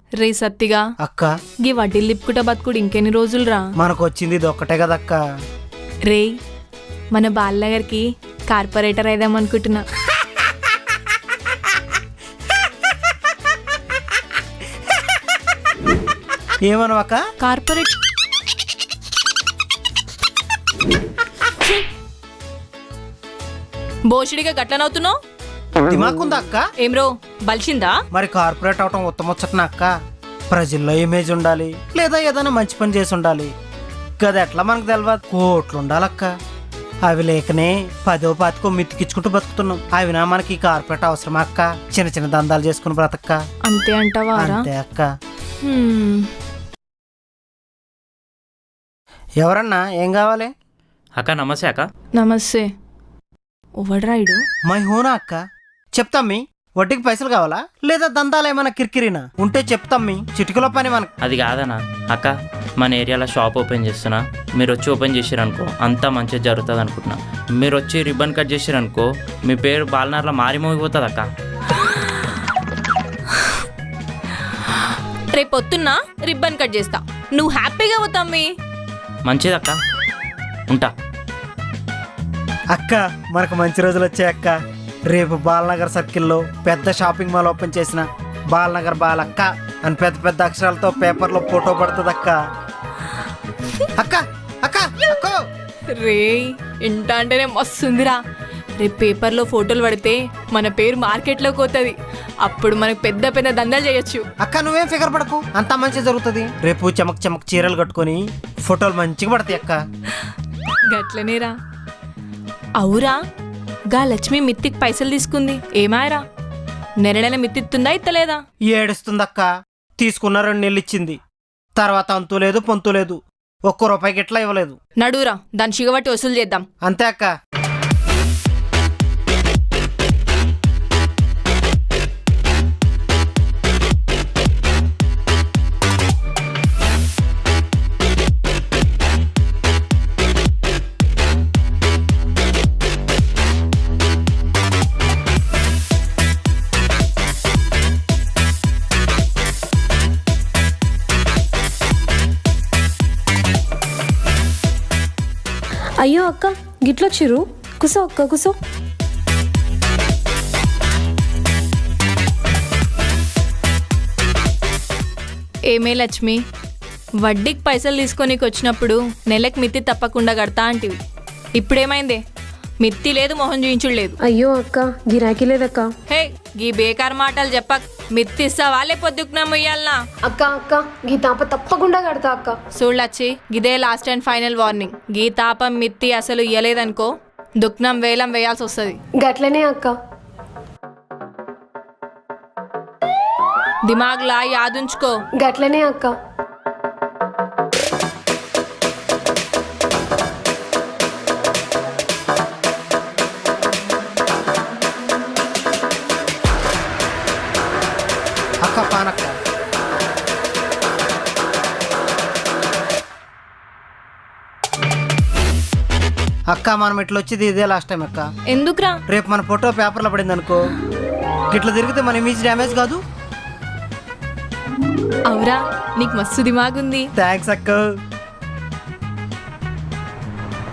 రే సత్తిగా అక్క గీ వడ్డీలు లిప్పుకుంటా బతుకుడు ఇంకెన్ని రోజులురా? మనకు వచ్చింది ఇది ఒక్కటే కదక్క. రే మన బాలనగర్కి కార్పొరేటర్ అయిదామనుకుంటున్నా. ఏమనవక్క? కార్పొరేట్ బోషుడిగా గట్లనవుతున్నావు? దిమాకుందా అక్క? ఏం రో బలిసిందా? మరి కార్పొరేట్ అవటం ఉత్తమొచ్చటన అక్క. ప్రజల్లో ఇమేజ్ ఉండాలి, లేదా ఏదైనా మంచి పని చేసి ఉండాలి. గది ఎట్లా మనకు తెలియదు. కోట్లు ఉండాలక్క. అవి లేకనే 10వ 25వ మిత్తికిచ్చుకుంటూ బతుకుతున్నాం. అవినా మనకి కార్పొరేట్ అవసరమా అక్క? చిన్న చిన్న దందాలు చేసుకుని బ్రతక్క. అంతే అంటావా? అంతే అక్క. ఎవరన్నా ఏం కావాలి? అక్క నమస్తే అక్క. నమస్తే. ఓవడ్రాయిడు మై హోనా అక్క. చెప్తామ్మి. వడ్డీకి పైసలు కావాలా, లేదా దందాలు ఏమైనా కిరికిరినా ఉంటే చెప్తామ్మి. చిటికలో పని మనకు. అది కాదనా అక్క, మన ఏరియాలో షాప్ ఓపెన్ చేస్తున్నా. మీరు వచ్చి ఓపెన్ చేసారనుకో అంతా మంచిగా జరుగుతుంది అనుకుంటున్నా. మీరు వచ్చి రిబ్బన్ కట్ చేసారనుకో మీ పేరు బాలనార్లో మారిమోగిపోతుంది అక్క. రేపు పొద్దున్న రిబ్బన్ కట్ చేస్తా, నువ్వు హ్యాపీగా పోతామ్మి. మంచిది అక్క, ఉంటా. అక్క మనకు మంచి రోజులు వచ్చాయి అక్క. రేపు బాలనగర్ సర్కిల్లో పెద్ద షాపింగ్ మాల్ ఓపెన్ చేసిన బాలనగర్ బాలక్క అని పెద్ద పెద్ద అక్షరాలతో పేపర్లో ఫోటో పడుతుంది అక్క. అక్క అక్క అక్క రే ఇంట అంటేనే మస్తుందిరా. రేపు పేపర్లో ఫోటోలు పడితే మన పేరు మార్కెట్లోకి పోతుంది. అప్పుడు మనకు పెద్ద పెద్ద దందాలు చేయొచ్చు. అక్క నువ్వేం ఫిగర్ పడకు, అంతా మంచి జరుగుతుంది. రేపు చమక్ చమక్ చీరలు కట్టుకొని ఫోటోలు మంచిగా పడతాయి అక్క. గట్లనేరా. అవురా గా లక్ష్మి మిత్తికి పైసలు తీసుకుంది ఏమాయరా? నెల మిత్తిస్తుందా ఇత్తలేదా? ఏడుస్తుందక్క. తీసుకున్న 2 నెలలు ఇచ్చింది, తర్వాత అంతు లేదు పొంతు లేదు. ₹1 గిట్లా ఇవ్వలేదు. నడురా దాని చిగబట్టి వసూలు చేద్దాం. అంతే అక్క. అయ్యో అక్క గిట్లొచ్చిరు, కుసో అక్క కుసో. ఏమే లక్ష్మి, వడ్డీకి పైసలు తీసుకొనికి వచ్చినప్పుడు నెలకు మిత్తి తప్పకుండా కడతా అంటివి. ఇప్పుడేమైందే? మిత్తి లేదు, మొహం చూయించుడు లేదు. అయ్యో అక్క గిరాకీ లేదక్క. హే గీ బేకార్ మాటలు చెప్పక్. మిత్తి ఇస్తావా లేకపోతే ఇయ్యాలనా? అక్క అక్క గీ తాప తప్పకుండా కడతా అక్క. చూడలచ్చి గిదే లాస్ట్ అండ్ ఫైనల్ వార్నింగ్. గీ తాపం మిత్తి అసలు ఇయ్యలేదనుకో దుఃఖం వేలం వేయాల్సి వస్తుంది. గట్లనే అక్క. దిమాగ్లా యాదుంచుకో. గట్లనే అక్క. అక్క పానక్క. అక్క మనం ఇట్లా వచ్చేది ఇదే లాస్ట్ టైం అక్క. ఎందుకురా? రేపు మన ఫోటో పేపర్లో పడింది అనుకో, ఇట్లా తిరిగితే మన ఇమేజ్ డ్యామేజ్ కాదు. అవురా నీకు మస్తు దిమాగుంది. థ్యాంక్స్ అక్క.